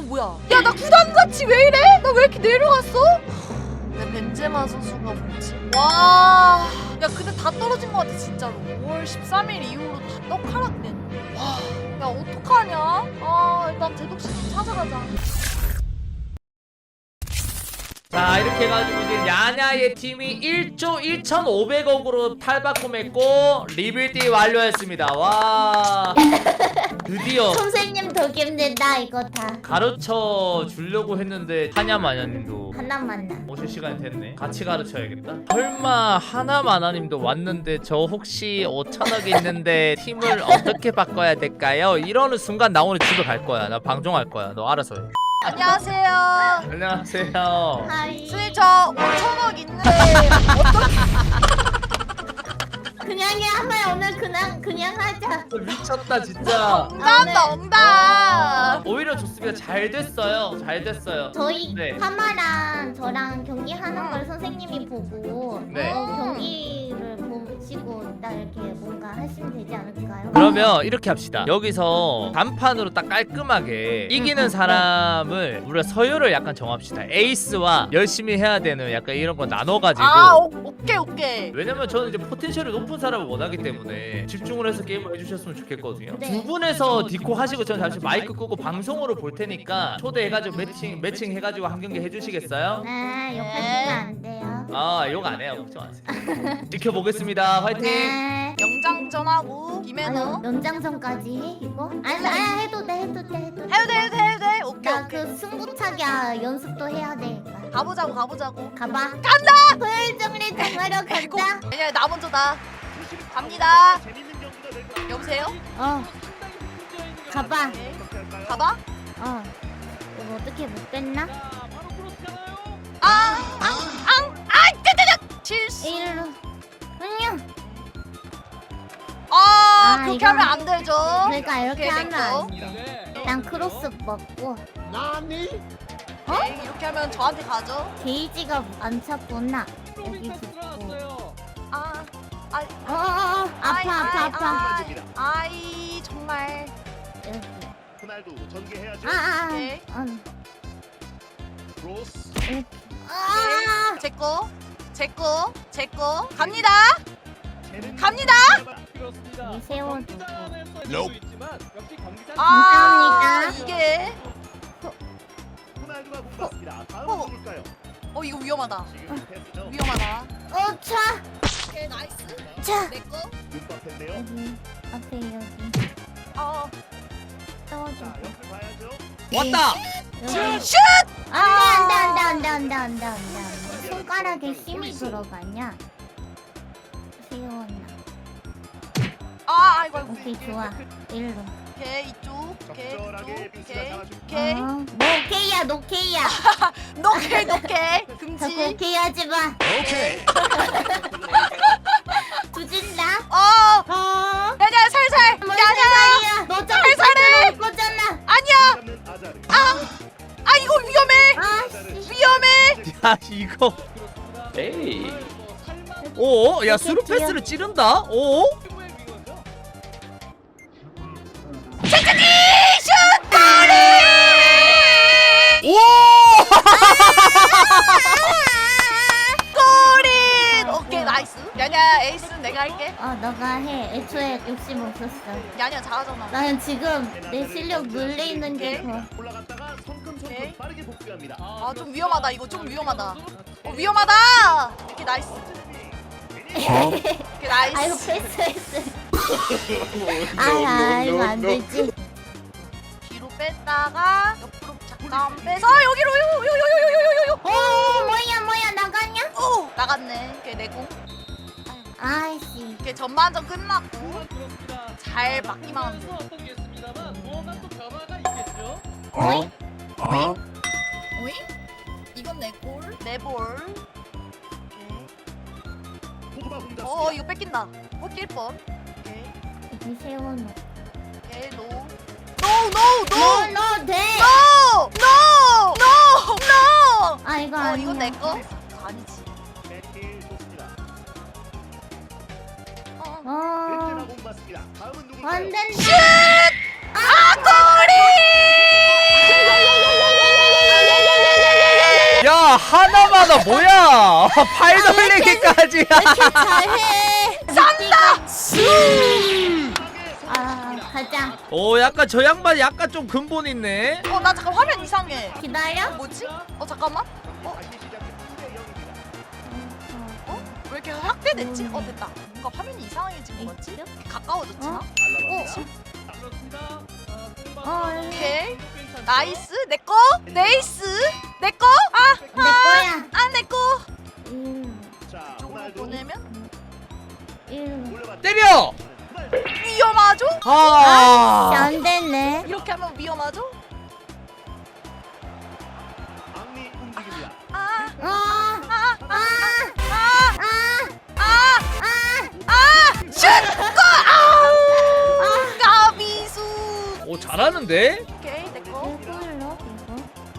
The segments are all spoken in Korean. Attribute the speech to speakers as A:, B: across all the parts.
A: 뭐야? 야 나 구단자치 왜 이래? 나 왜 이렇게 내려갔어? 내 벤제마 선수가 뭐지? 와, 야 근데 다 떨어진 것 같아 진짜로. 5월 13일 이후로 다 떡하락됐네. 와, 야 어떡하냐? 아 일단 제독씨 찾아가자.
B: 자 이렇게 해가지고 이제 야냐의 팀이 1조 1,500억으로 탈바꿈했고 리빌딩 완료했습니다. 와 드디어
C: 선생님 더 힘들다 이거 다.
B: 가르쳐 주려고 했는데 하냐마냐님도
C: 하나만 나.
B: 오실 시간이 됐네. 같이 가르쳐야겠다. 설마 하나마나님도 왔는데 저 혹시 5천억 있는데 팀을 어떻게 바꿔야 될까요? 이러는 순간 나 오늘 집에 갈 거야. 나 방종할 거야. 너 알아서 해.
A: 안녕하세요.
B: 안녕하세요.
C: 하이.
A: 선생님 저 5천억 있는데 어떻게?
C: 그냥 해 한번 오늘 그냥 하자.
B: 미쳤다 진짜.
A: 엉담다 엉담.
B: 오히려 좋습니다. 잘 됐어요. 잘 됐어요.
C: 저희
B: 네.
C: 하마랑 저랑 경기하는 걸 선생님이 보고
B: 네.
C: 경기를 보시고 딱 이렇게 뭔가 하시면 되지 않을까요?
B: 그러면 이렇게 합시다. 여기서 단판으로 딱 깔끔하게 이기는 사람을 우리가 서열을 약간 정합시다. 에이스와 열심히 해야 되는 약간 이런 거 나눠가지고.
A: 아 오케이 오케이.
B: 왜냐면 저는 이제 포텐셜이 높은 사람을 원하기 때문에 집중을 해서 게임을 해주셨으면 좋겠거든요.
C: 네.
B: 두 분에서 디코 하시고 저는 잠시 마이크 끄고 방송으로 볼 테니까 초대해가지고 매칭 해가지고 한 경기 해주시겠어요?
C: 네, 욕하시면 안 돼요.
B: 아 욕 안 해요. 걱정 마세요. 지켜보겠습니다. 화이팅.
C: 네.
A: 영장전하고 김해노.
C: 연장선까지 해 이거? 아니 해도 돼.
A: 해도 돼. 오케이
C: 나
A: 오케이.
C: 그 승부차기 연습도 해야 되니까.
A: 가보자고.
C: 가봐.
A: 간다.
C: 토요일 정리 정하러 가자.
A: 아니야 나 먼저다. 갑니다. 여보세요?
C: 가봐.
A: 네. 가봐.
C: 이거 어떻게 못 뺐나?
A: 실수.
C: 일로. 안녕.
A: 그렇게
C: 이건-
A: 하면 안 되죠.
C: 내가 이렇게
A: 오케이,
C: 하면
A: 됐고.
C: 안 돼. 난 크로스 먹고
A: 네, 이렇게 하면 저한테 가죠.
C: 게이지가 안 찼구나. 여기 붙고. 아파.
A: 아이 정말.
C: 여기.
D: 호날두 전개해야죠.
A: 오케이.
D: 크로스.
C: 이렇게. 아.
A: 제거 갑니다.
C: 이 세워두고.
A: 아 이게
D: 호날두가 공받습니다. 다음은
A: 어.
D: 누굴까요?
A: 이거 위험하다.
D: 지금 패스죠.
A: 위험하다.
C: 차.
A: 오케이 나이스.
C: 차.
A: 내거.
D: 눈밥인데요.
C: 여기. 앞에 여기. 세워두고.
D: 자, 옆을 봐야죠.
B: 왔다.
C: 여기.
A: 슛!
C: 안 돼. 손가락에 힘이 들어가냐? 세웠나?
A: 아이고.
C: 오케이, 좋아. 일로.
A: 오케이 이쪽. 오케이
D: 적절하게
A: 이쪽.
D: 뷰스가 잡아주고.
A: 오케이.
C: 노케이야.
A: 노케이
C: 자꾸
A: 금지.
C: 오케이 하지 마.
D: 오케이.
C: 두진다.
A: 야야 살살. 야야.
C: 너
A: 살살해.
C: 못 거잖아.
A: 아니야.
D: 잡는 아자르.
A: 이거 위험해.
C: 아씨.
A: 위험해.
B: 야 이거. 에이. 오, 야 스루 패스를 찌른다. 오. 오!
A: 골인. 오케이 나이스. 야야 에이스는 내가 할게.
C: 너가 해. 애초에 욕심 없었어.
A: 야야 잘하잖아.
C: 나는 지금 내 실력 눌리는 게 더.
D: 올라갔다가
A: 오케이.
D: 성큼성큼 빠르게 복귀합니다.
A: 좀 위험하다. 이거 좀 위험하다. 위험하다. 이렇게 나이스. 이렇게 나이스.
C: 아이고 패스. 이거 안 되지.
A: 뒤로 뺐다가 옆으로 잠깐 빼서 여기로 요요요요요요요.
C: 뭐야 나가냐?
A: 오 나갔네. 오케이 내공.
C: 아이씨.
A: 이렇게 전반전 끝났고 잘 막기만 하면 돼.
C: 어이?
A: 오잉? 이건 내 골. 내 볼.
D: 포그바 공작.
A: 이거 뺏긴다. 뺏길 뻔. 오케이.
C: 여기 세워놓고.
A: 오케이 노.
C: 너 돼.
A: 노.
C: 이거 아니야.
A: 이건 내 거? 아니지.
D: 백힐 좋습니다.
C: 어.
D: 벤제마 공받습니다. 다음은 누굴까요?
C: 안 된다.
A: 골이!
B: 하나마나 뭐야? 팔 돌리기까지.
C: 이렇게 잘해. 쌈다. 가자.
B: 오 약간 저 양반 약간 좀 근본 있네.
A: 나 잠깐 화면 이상해.
C: 기다려.
A: 뭐지? 잠깐만. 왜 이렇게 확대됐지? 됐다. 뭔가 화면이 이상해진 거 같지? 가까워졌지나? 오케이. 나이스. 내꺼. 네이스. 내꺼.
C: 내 거야.
A: 내꺼.
D: 자,
A: 쪽으로
D: 호날두
A: 보내면
D: 올려봤-
B: 때려.
A: 위험하죠?
C: 안 되네.
A: 이렇게 하면 위험하죠?
D: 앙리 움직입니다.
A: 슛! 골! 까비수.
B: 오 잘하는데?
A: 오케이, 내꺼.
C: 이걸로 이거.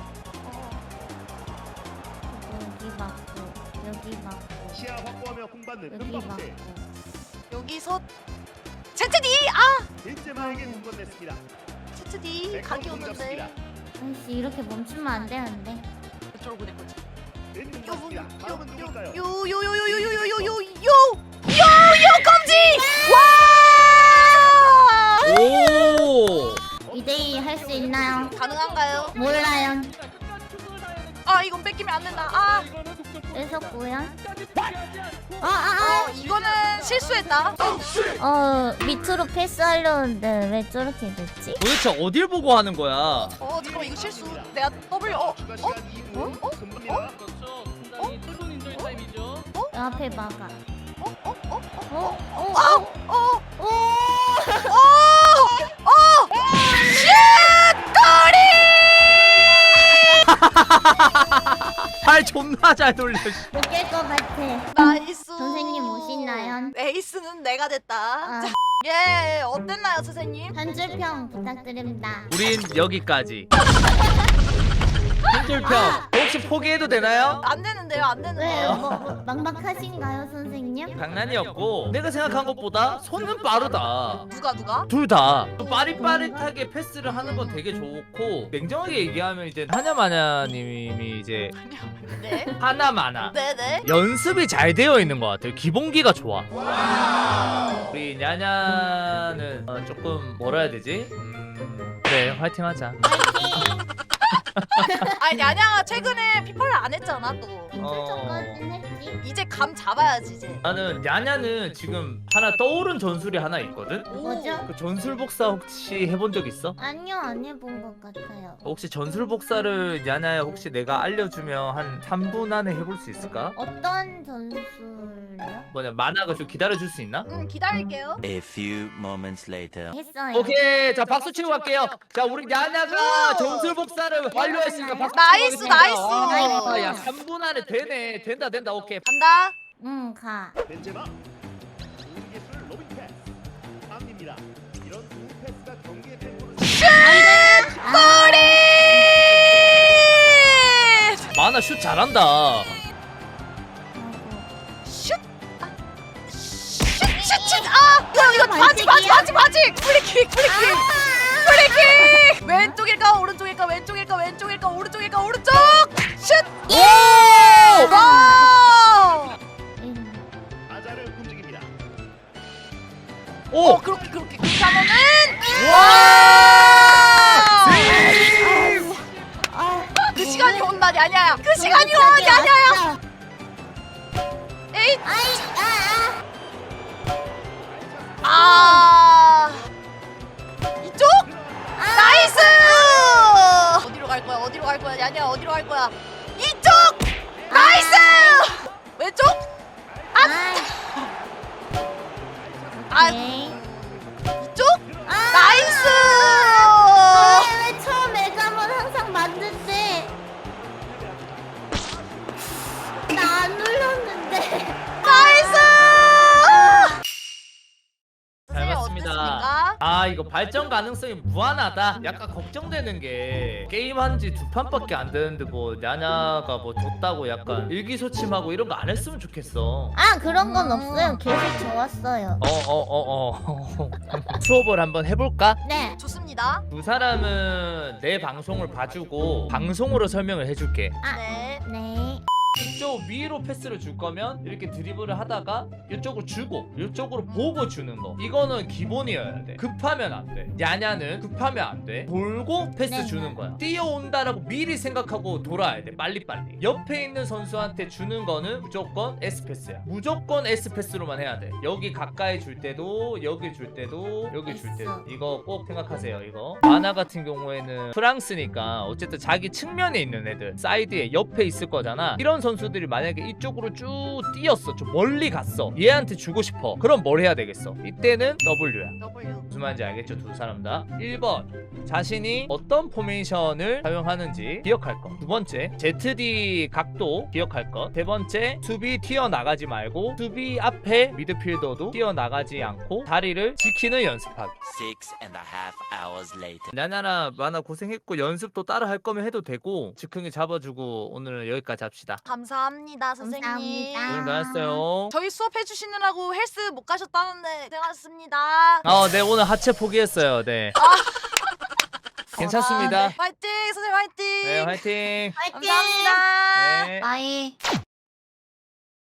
C: 여기 맞고 여기 맞고
D: 시야 확보하며 공받는
C: 여기
D: 은박세.
C: 맞고.
A: 여기서 ZD.
D: 벤제마에게 공건냈습니다.
A: ZD 각이 오는데
C: 아이씨 이렇게 멈추면 안 되는데.
A: 이쪽으로 보낼 거지.
D: 벤 맞습니다. 다음은 누굴까요?
A: 요요요요요요요요요 검지. 와!
B: 오.
C: 2대2 할 수 있나요?
A: 가능한가요?
C: 몰라요.
A: 이건 뺏기면 안 된다.
C: 뺏었고요.
A: 이거는 실수했다.
C: 밑으로 패스하려는데 왜 저렇게 됐지?
B: 도대체 어딜 보고 하는 거야?
A: 잠깐만 이거 실수. 내가 W
D: 추가 시간 2분. 금방입니다.
C: 앞에 막아.
B: 팔 존나 잘 돌려.
C: 못깰 것 같아.
A: 나이스.
C: 선생님 오시나요?
A: 에이스는 내가 됐다.
C: 아,
A: 예, 어땠나요, 선생님?
C: 한 줄 평 부탁드립니다.
B: 우린 여기까지. 한줄평 혹시 포기해도 되나요?
A: 안 되는데요, 안
C: 왜요?
A: 되는데요.
C: 뭐 막막하신가요, 선생님?
B: 장난이었고 내가 생각한 것보다 손은 빠르다.
A: 누가?
B: 둘 다 빠릿빠릿하게 패스를 하는 건 되게 좋고 냉정하게 얘기하면 이제 하냐마냐님이 이제
A: 네.
B: 하나마나
A: 네네.
B: 연습이 잘 되어 있는 것 같아요. 기본기가 좋아. 우리 냐냐는 조금 뭐라 해야 되지? 그래 화이팅하자.
C: 파이팅!
A: 아니 냐냐가 최근에 피파를 안 했잖아 또.
C: 저까진 했지.
A: 이제 감 잡아야지 이제.
B: 나는 냐냐는 지금 하나 떠오른 전술이 하나 있거든?
C: 뭐죠?
B: 그 전술 복사 혹시 해본 적 있어?
C: 아니요, 안 해본 것 같아요.
B: 혹시 전술 복사를 냐냐야 혹시 내가 알려주면 한 3분 안에 해볼 수 있을까?
C: 어떤 전술이요?
B: 뭐냐 만화가 좀 기다려줄 수 있나?
A: 기다릴게요.
E: A few moments later.
C: 했어요.
B: 오케이 자 박수 치고 갈게요. 자 우리 냐냐가 전술 복사를 완료했으니까 박수
A: 나이스,
B: 치고
A: 나이스.
B: 가겠습니다. 야 3분 안에 되네. 된다 오케이.
A: 간다.
C: 응, 가.
D: 벤제마. 공개술 로빙 패스. 앙리입니다. 이런 좋은 패스가 경기의 템포를
A: 꼬리!
B: 만화 슛 잘한다.
A: 슛! 슛! 이거 바지! 프리킥! 왼쪽일까 오른쪽일까 오른쪽! 슛! 오! 와!
D: 아자를 움직입니다.
B: 오!
A: 그렇게 하면은 그 시간이 온다 냐냐야. 그 시간이 와 냐냐야. 에잇! 이쪽? 나이스! 어디로 갈 거야? 냐냐 어디로 갈 거야? 이쪽! 나이스! 왼쪽?
C: 오케이.
A: 이쪽? 나이스!
C: 왜 처음 애감은 항상 맞는데 나 안 눌렀는데.
A: 나이스!
B: 잘 봤습니다.
A: 어땠습니까?
B: 아 이거 발전 가능성이 무한하다. 약간 걱정되는 게 게임한 지 2판밖에 안 되는데 뭐 냐냐가 뭐 줬다고 약간 일기소침하고 이런 거 안 했으면 좋겠어.
C: 아 그런 건 없어요. 계속 좋았어요.
B: 수업을 한번 해볼까?
C: 네.
A: 좋습니다.
B: 두 사람은 내 방송을 봐주고 방송으로 설명을 해줄게.
A: 네.
C: 네.
B: 이쪽 위로 패스를 줄 거면 이렇게 드리블을 하다가 이쪽으로 주고 이쪽으로 보고 주는 거, 이거는 기본이어야 돼. 급하면 안 돼. 야냐는 급하면 안 돼. 돌고 패스
C: 네.
B: 주는 거야. 뛰어온다라고 미리 생각하고 돌아야 돼. 빨리빨리. 옆에 있는 선수한테 주는 거는 무조건 S패스야. 무조건 S패스로만 해야 돼. 여기 가까이 줄 때도, 여기 줄 때도, 여기 줄 때도. 이거 꼭 생각하세요. 이거 마나 같은 경우에는 프랑스니까 어쨌든 자기 측면에 있는 애들 사이드에 옆에 있을 거잖아. 이런 선수들이 만약에 이쪽으로 쭉 뛰었어, 좀 멀리 갔어, 얘한테 주고 싶어, 그럼 뭘 해야 되겠어? 이때는 W야.
A: W.
B: 무슨 말인지 알겠죠? 두 사람 다. 1번 자신이 어떤 포메이션을 사용하는지 기억할 것. 두 번째 ZD 각도 기억할 것. 세 번째 수비 튀어나가지 말고 수비 앞에 미드필더도 튀어나가지 않고 다리를 지키는 연습하기.
E: 6.5 hours later.
B: 나나라 마나 고생했고 연습도 따라 할 거면 해도 되고 즉흥이 잡아주고 오늘은 여기까지 합시다.
A: 감사합니다, 선생님.
C: 감사합니다.
B: 고생 많았어요.
A: 저희 수업 해주시느라고 헬스 못 가셨다는데 고생하셨습니다.
B: 네 오늘 하체 포기했어요. 네. 괜찮습니다.
A: 화이팅, 선생님 화이팅.
B: 네 화이팅.
C: 화이팅.
A: 감사합니다.
B: 네.
C: 바이.